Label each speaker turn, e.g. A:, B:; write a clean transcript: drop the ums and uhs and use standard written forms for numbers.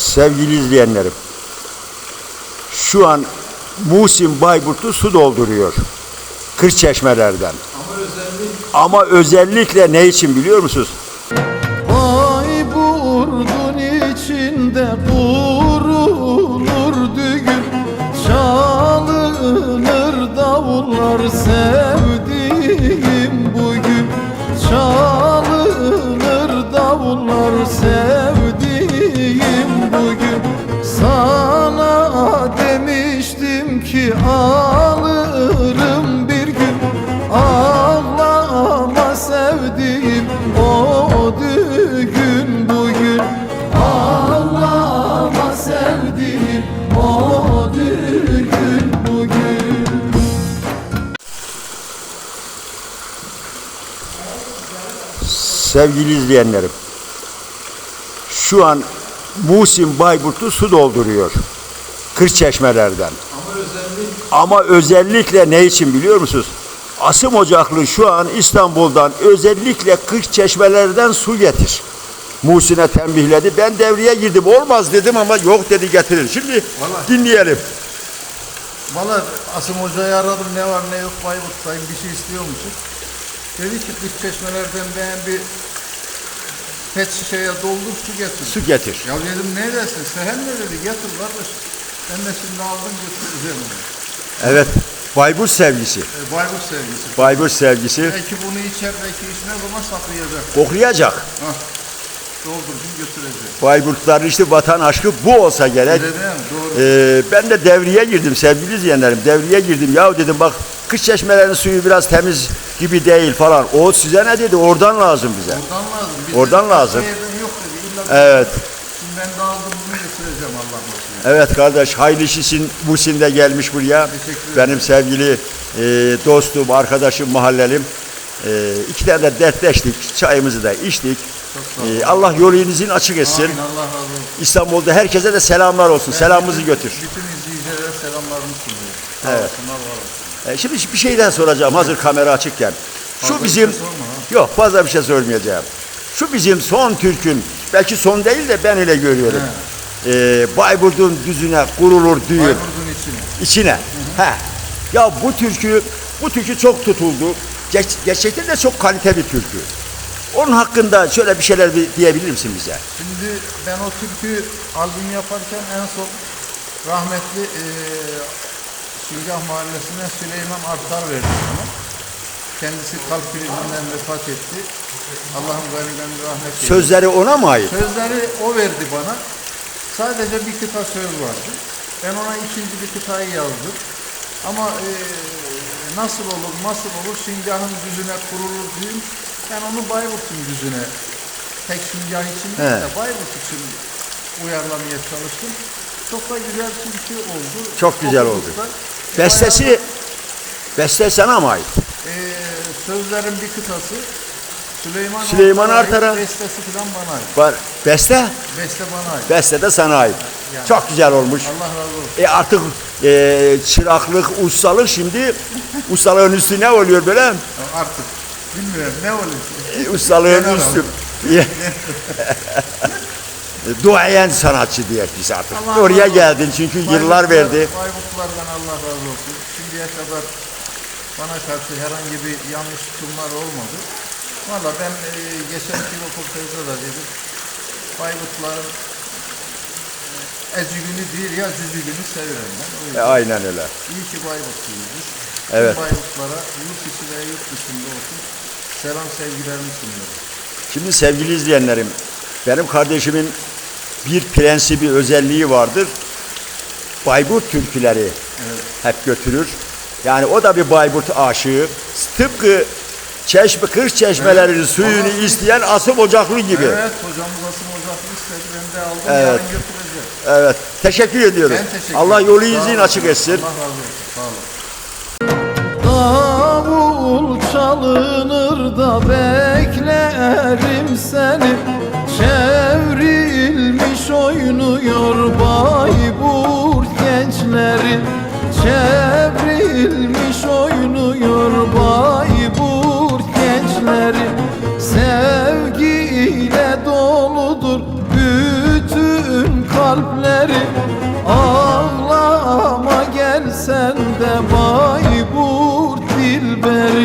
A: Sevgili izleyenlerim, şu an Muhsin Bayburt'u su dolduruyor Kırçeşmelerden. Ama özellikle ne için biliyor musunuz?
B: Bayburt'un içinde kurulur düğün, çalınır davullar sevdiğim bugün, çalınır davullar sevdiğim bugün. Sana demiştim ki alırım bir gün, ağlama sevdiğim o düğün bugün, ağlama sevdiğim o düğün bugün.
A: Sevgili izleyenlerim, şu an Muhsin Bayburt'u su dolduruyor Kırçeşmelerden. Ama özellikle ne için biliyor musunuz? Asım Ocaklı şu an İstanbul'dan özellikle Kırçeşmelerden su getir. Muhsin'e tembihledi. Ben devreye girdim. Olmaz dedim ama yok dedi, getirir. Şimdi dinleyelim.
B: Valla Asım Hoca'yı aradım, ne var ne yok Bayburt'tayım, bir şey istiyormuşum. Dedi ki Kırçeşmelerden ben bir pet şişeye doldur su getir.
A: Su getir.
B: Ya dedim ne dersin? Sehen ne dedi? Getir kardeş. Ben de şimdi aldım götüreceğim.
A: Evet. Bayburt sevgisi.
B: Bayburt sevgisi.
A: Bayburt sevgisi.
B: Belki bunu içer, belki içmez ama saklayacak.
A: Koklayacak.
B: Hah. Doldurdum götürecek.
A: Bayburtların işte vatan aşkı bu olsa gerek.
B: Öyle değil mi? Doğru.
A: Ben de devreye girdim sevgili izleyenlerim. Devreye girdim. Ya dedim bak Kırçeşmelerin suyu biraz temiz gibi değil falan. O size ne dedi? Oradan lazım bize.
B: Oradan lazım.
A: Oradan lazım.
B: Yok dedi. İlla
A: Evet.
B: Şimdi ben de aldım bunu götüreceğim Allah nasip.
A: Evet kardeş, hayırlı işin Muhsin de gelmiş buraya.
B: Teşekkür ederim.
A: Benim sevgili dostum, arkadaşım, mahallelim. İki tane de dertleştik, çayımızı da içtik.
B: Çok sağ olun.
A: Allah yolunuzun açık etsin.
B: Amin, Allah razı olsun.
A: İstanbul'da herkese de selamlar olsun. Selamımızı götür.
B: Bütün izleyicilere selamlarımı sunuyorum.
A: Evet.
B: Olsunlar, var olsun.
A: Şimdi bir şeyden soracağım hazır kamera açıkken.
B: Fazla
A: Şu
B: bir
A: bizim,
B: şey sorma ha.
A: yok fazla bir şey sormayacağım. Şu bizim son türkün, belki son değil de ben öyle görüyorum. Bayburt'un düzüne kurulur düğün.
B: Bayburt'un içine.
A: İçine. He. Ya bu türkü çok tutuldu. Gerçekten de çok kalite bir türkü. Onun hakkında şöyle bir şeyler diyebilir misin bize?
B: Şimdi ben o türkü albüm yaparken en son rahmetli Şingah Mahallesi'ne Süleyman Artar verdi bana. Kendisi kalp krizinden vefat etti. Allah'ım gani rahmet eylesin.
A: Sözleri ona mı ait?
B: Sözleri o verdi bana. Sadece bir kıta söz vardı. Ben ona ikinci bir kıtayı yazdım. Ama nasıl olur Şingah'ın düzüne kurulur düğün. Ben onu Bayburt'un düzüne, tek Şingah için değil de Bayburt için uyarlamaya çalıştım. Çok da güzel türkü oldu.
A: Çok güzel oldu. Beste sana mı ait?
B: Sözlerin bir kıtası
A: Süleyman Artar'a.
B: Bestesi falan bana ait.
A: Var. Beste?
B: Beste bana ait.
A: Beste de sana ait.
B: Yani.
A: Çok güzel olmuş.
B: Allah razı olsun.
A: Artık çıraklık, ustalık şimdi ustalığın üstü ne oluyor böyle?
B: Artık bilmiyorum ne olur.
A: Ustalığın
B: Genel
A: üstü. Duayen sanatçı diye biz artık.
B: Allah
A: Oraya
B: razı
A: geldin çünkü yıllar verdi.
B: Bayburtlulardan Allah razı olsun. Şimdiye kadar bana karşı herhangi bir yanlış tutumlar olmadı. Valla ben geçenki röportajda da dedim. Bayburtluların ecigünü değil ya cücügünü severim ben.
A: Aynen öyle.
B: İyi ki Bayburtluyuz.
A: Evet.
B: Bayburtlara yurt içi ve yurt dışında olsun selam sevgilerimi sunuyorum.
A: Şimdi sevgili izleyenlerim, benim kardeşimin bir prensibi, özelliği vardır. Bayburt türküleri hep götürür. Yani o da bir Bayburt aşığı. Tıpkı Kırçeşmelerin suyunu isteyen Asım Ocaklı gibi.
B: Evet, hocamız Asım Ocaklı istedi. Ben de aldım, yarın götüreceğim.
A: Evet, teşekkür ediyorum.
B: Ben teşekkür
A: Allah
B: ederim.
A: yolu izin açık etsin.
B: Allah razı olsun. Sağ olun. Davul çalınır da beklerim seni. Çevrilmiş oynuyor Bayburt gençleri. Çevrilmiş oynuyor Bayburt gençleri. Sevgiyle doludur bütün kalp
C: dilberi, ağlama gel sen de Bayburt dilberi.